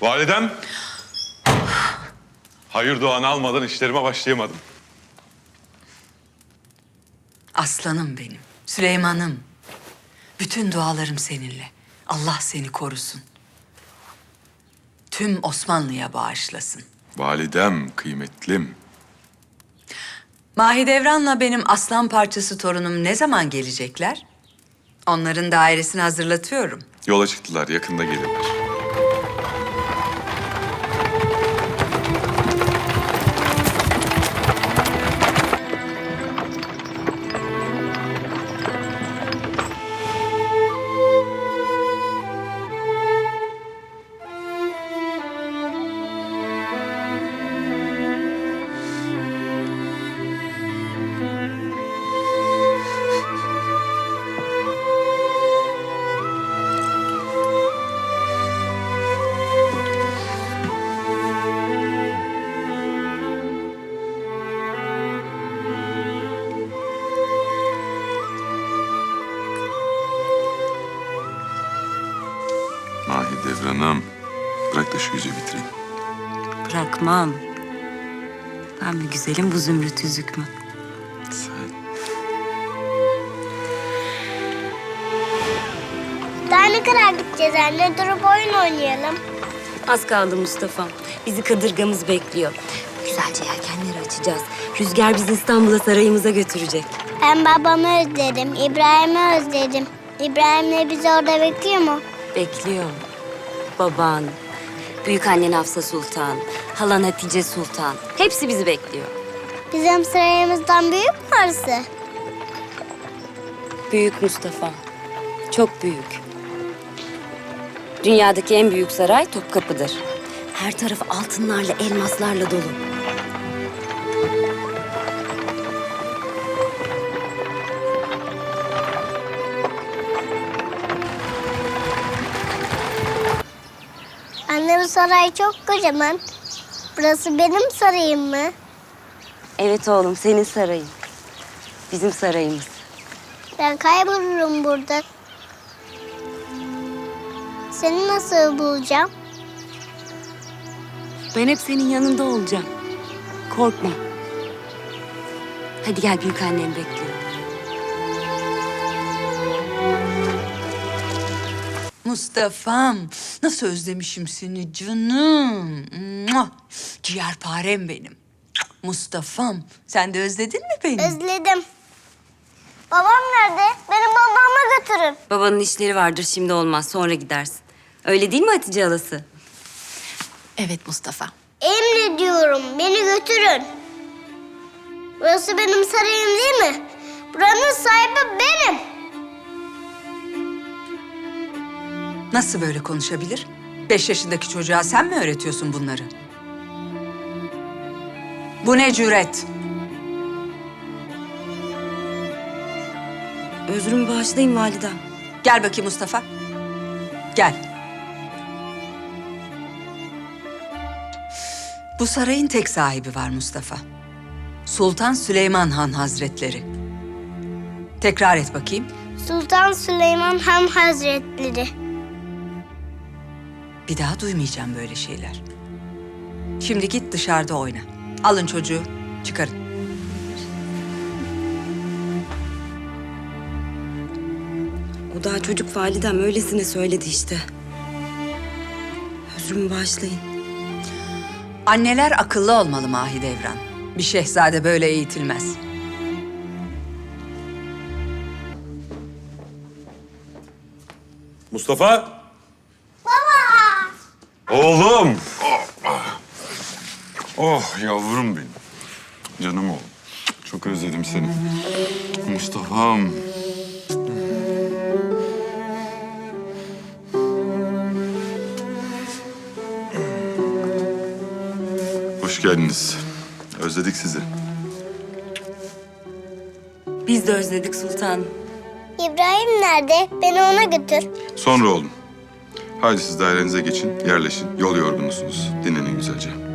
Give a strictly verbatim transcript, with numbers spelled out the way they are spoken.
Validem. Hayır duanı almadan işlerime başlayamadım. Aslanım benim, Süleyman'ım. Bütün dualarım seninle. Allah seni korusun. Tüm Osmanlı'ya bağışlasın. Validem, kıymetlim. Mahidevran'la benim aslan parçası torunum ne zaman gelecekler? Onların dairesini hazırlatıyorum. Yola çıktılar, yakında gelirler. Mahidevran'ım, bırak da şu yüzü bitireyim. Bırakmam. Ben mi güzelim, bu zümrüt yüzük mü? Sen. Daha ne kadar gideceğiz anne? Durup oyun oynayalım. Az kaldı Mustafa. Bizi kadırgamız bekliyor. Güzelce yelkenleri açacağız. Rüzgar bizi İstanbul'a, sarayımıza götürecek. Ben babamı özledim, İbrahim'i özledim. İbrahim'le bizi orada bekliyor mu? Bekliyor. Baban, büyük annen Hafsa Sultan, halan Hatice Sultan. Hepsi bizi bekliyor. Bizim sarayımızdan büyük mü orası? Büyük Mustafa. Çok büyük. Dünyadaki en büyük saray Topkapı'dır. Her tarafı altınlarla, elmaslarla dolu. Anne bu saray çok kocaman. Burası benim sarayım mı? Evet oğlum, senin sarayın. Bizim sarayımız. Ben kaybolurum burada. Seni nasıl bulacağım? Ben hep senin yanında olacağım. Korkma. Hadi gel, büyük annem bekliyor. Mustafa'm, nasıl özlemişim seni canım. Mua! Ciğerparem benim. Mustafa'm, sen de özledin mi beni? Özledim. Babam nerede? Beni babama götürün. Babanın işleri vardır, şimdi olmaz, sonra gidersin. Öyle değil mi Hatice halası? Evet Mustafa. Emrediyorum, beni götürün. Burası benim sarayım değil mi? Buranın sahibi benim. Nasıl böyle konuşabilir? Beş yaşındaki çocuğa sen mi öğretiyorsun bunları? Bu ne cüret? Özrümü bağışlayın validem. Gel bakayım Mustafa. Gel. Bu sarayın tek sahibi var Mustafa. Sultan Süleyman Han Hazretleri. Tekrar et bakayım. Sultan Süleyman Han Hazretleri. Bir daha duymayacağım böyle şeyler. Şimdi git dışarıda oyna. Alın çocuğu, çıkarın. O daha çocuk validem, öylesine söyledi işte. Özrümü bağışlayın. Anneler akıllı olmalı Mahidevran. Bir şehzade böyle eğitilmez. Mustafa! Baba! Oğlum! Oh yavrum benim. Canım oğlum. Çok özledim seni. Mustafa'm. Hoş geldiniz. Özledik sizi. Biz de özledik sultanım. İbrahim nerede? Beni ona götür. Sonra oğlum. Haydi siz dairenize geçin, yerleşin. Yol yorgunusunuz. Dinlenin güzelce.